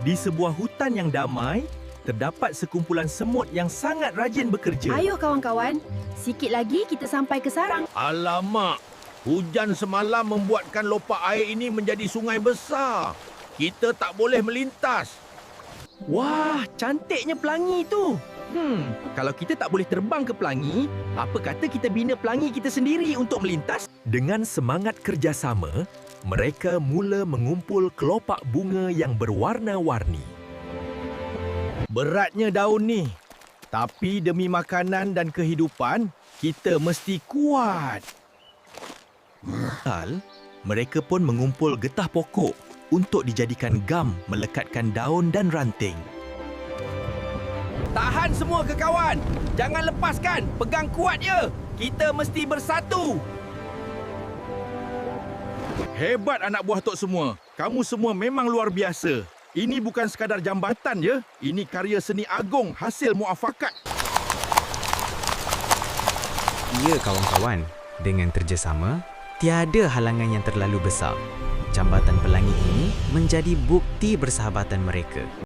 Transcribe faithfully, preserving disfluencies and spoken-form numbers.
Di sebuah hutan yang damai, terdapat sekumpulan semut yang sangat rajin bekerja. Ayo kawan-kawan, sikit lagi kita sampai ke sarang. Alamak, hujan semalam membuatkan lopak air ini menjadi sungai besar. Kita tak boleh melintas. Wah, cantiknya pelangi itu. Hmm, kalau kita tak boleh terbang ke pelangi, apa kata kita bina pelangi kita sendiri untuk melintas? Dengan semangat kerjasama, mereka mula mengumpul kelopak bunga yang berwarna-warni. Beratnya daun ni. Tapi demi makanan dan kehidupan, kita mesti kuat. Hal, mereka pun mengumpul getah pokok untuk dijadikan gam melekatkan daun dan ranting. Tahan semua ke kawan. Jangan lepaskan. Pegang kuat je. Kita mesti bersatu. Hebat anak buah Tok semua. Kamu semua memang luar biasa. Ini bukan sekadar jambatan je. Ini karya seni agung hasil muafakat. Ya kawan-kawan, dengan kerjasama, tiada halangan yang terlalu besar. Jambatan pelangi ini menjadi bukti persahabatan mereka.